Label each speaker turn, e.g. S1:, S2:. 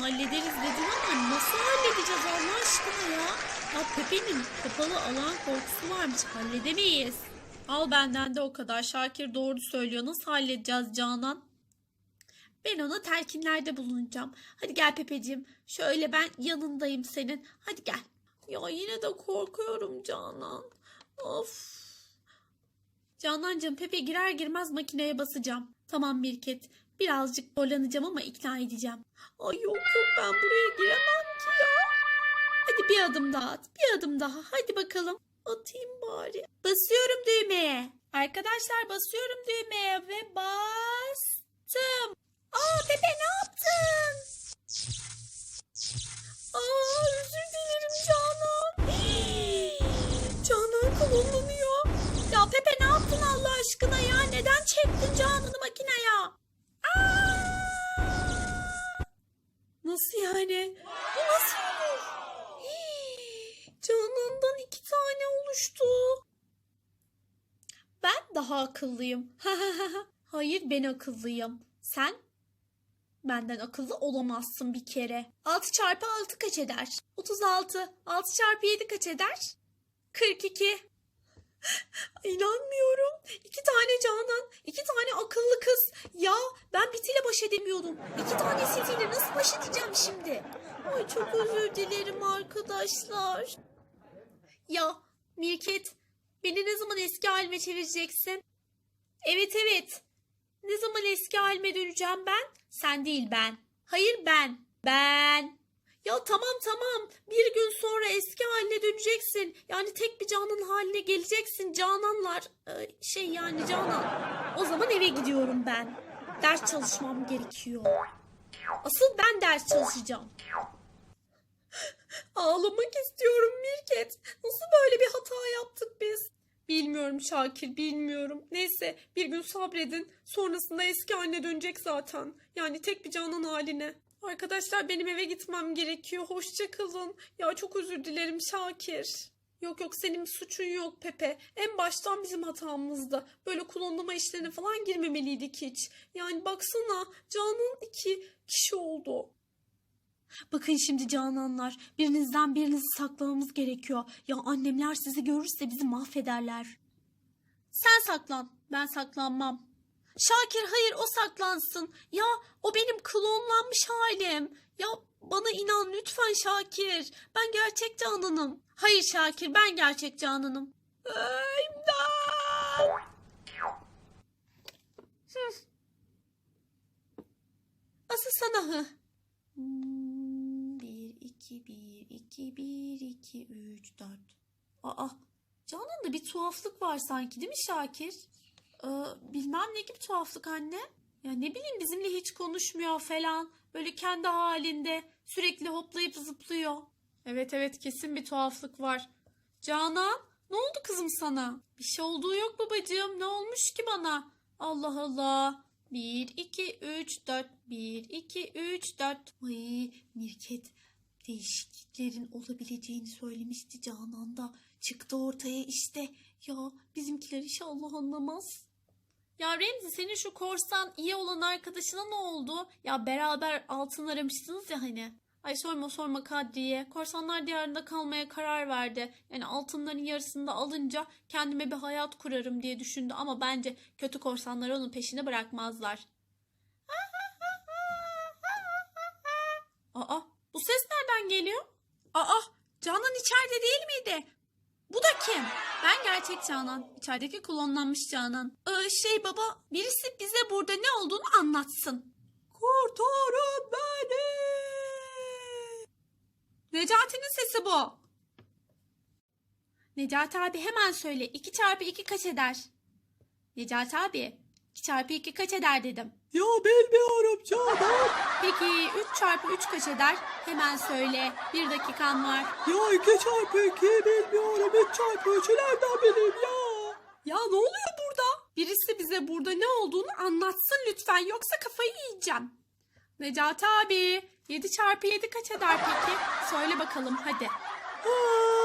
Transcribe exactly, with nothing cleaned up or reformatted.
S1: hallederiz dedin ama nasıl halledeceğiz Allah aşkına ya? Ya Pepe'nin kapalı alan korkusu varmış, halledemeyiz. Al benden de o kadar. Şakir doğru söylüyor. Nasıl halledeceğiz Canan? Ben ona telkinlerde bulunacağım. Hadi gel Pepeciğim. Şöyle ben yanındayım senin. Hadi gel. Ya yine de korkuyorum Canan. Of. Canancığım, Pepe girer girmez makineye basacağım. Tamam Mirket. Birazcık zorlanacağım ama ikna edeceğim. Ay yok yok, ben buraya giremem ki ya. Hadi bir adım daha at. Bir adım daha. Hadi bakalım. Atayım bari. Basıyorum düğmeye. Arkadaşlar basıyorum düğmeye ve bastım. Aa Pepe, ne yaptın? Aa özür dilerim Canan. Hii, Canan kullanılıyor. Ya Pepe ne yaptın Allah aşkına ya? Neden çektin Canan'ı makineye? Aa! Nasıl yani? Bu nasıl olur? Hii, Canan'dan iki tane oluştu. Ben daha akıllıyım. Hayır, ben akıllıyım. Sen benden akıllı olamazsın bir kere. altı çarpı altı kaç eder? otuz altı. altı çarpı yedi kaç eder? kırk iki. İnanmıyorum. İki tane Canan, iki tane akıllı kız. Ya ben bitiyle baş edemiyordum. İki tanesiyle nasıl baş edeceğim şimdi? Ay çok özür dilerim arkadaşlar. Ya Mirket, beni ne zaman eski halime çevireceksin? Evet evet. Ne zaman eski halime döneceğim ben? Sen değil, ben. Hayır, ben. Ben. Ya tamam tamam. Bir gün sonra eski haline döneceksin. Yani tek bir Canan haline geleceksin. Cananlar. Ee, şey yani Canan. O zaman eve gidiyorum ben. Ders çalışmam gerekiyor. Asıl ben ders çalışacağım. Ağlamak istiyorum Mirket. Nasıl böyle bir hata yaptık biz? Bilmiyorum Şakir, bilmiyorum. Neyse, bir gün sabredin. Sonrasında eski haline dönecek zaten. Yani tek bir Canan haline. Arkadaşlar benim eve gitmem gerekiyor. Hoşça kalın. Ya çok özür dilerim Şakir. Yok yok, senin bir suçun yok Pepe. En baştan bizim hatamızdı. Böyle klonlama işlerine falan girmemeliydik hiç. Yani baksana, Canan iki kişi oldu. Bakın şimdi Cananlar, birinizden birinizi saklamamız gerekiyor. Ya annemler sizi görürse bizi mahvederler. Sen saklan, ben saklanmam. Şakir hayır, o saklansın. Ya o benim klonlanmış halim. Ya bana inan lütfen Şakir. Ben gerçek Canan'ım. Hayır Şakir, ben gerçek Canan'ım. İmdat! Hı. Asıl sana hı. Bir, iki, bir, iki, bir, iki, üç, dört. Aa, Canan'da bir tuhaflık var sanki, değil mi Şakir? Ee, bilmem ne gibi tuhaflık anne. Ya ne bileyim, bizimle hiç konuşmuyor falan. Böyle kendi halinde sürekli hoplayıp zıplıyor. Evet evet, kesin bir tuhaflık var. Canan, ne oldu kızım sana? Bir şey olduğu yok babacığım. Ne olmuş ki bana? Allah Allah. Bir, iki, üç, dört. Bir, iki, üç, dört. Ay Mirket, değişikliklerin olabileceğini söylemişti Canan da. Çıktı ortaya işte. Ya bizimkiler inşallah anlamaz. Ya Remzi, senin şu korsan iyi olan arkadaşına ne oldu? Ya beraber altın aramıştınız ya hani. Ay sorma sorma Kadriye. Korsanlar diyarında kalmaya karar verdi. Yani altınların yarısını da alınca kendime bir hayat kurarım diye düşündü. Ama bence kötü korsanlar onun peşini bırakmazlar. Aa, bu ses nereden geliyor? Aa, Canan içeride değil miydi? Bu da kim? Ben gerçek Canan. İçerideki klonlanmış Canan. Ee, şey baba, birisi bize burada ne olduğunu anlatsın. Kurtarın beni! Necati'nin sesi bu. Necati abi hemen söyle. iki çarpı iki kaç eder? Necati abi, iki çarpı iki kaç eder dedim.
S2: Ya bilmiyorum Canan.
S1: Peki üç çarpı üç kaç eder? Hemen söyle. Bir dakikan var.
S2: Ya iki çarpı iki bilmiyorum. üç çarpı üçü nereden bileyim ya?
S1: Ya ne oluyor burada? Birisi bize burada ne olduğunu anlatsın lütfen, yoksa kafayı yiyeceğim. Necati abi, yedi çarpı yedi kaç eder peki? Söyle bakalım hadi.
S2: Aa,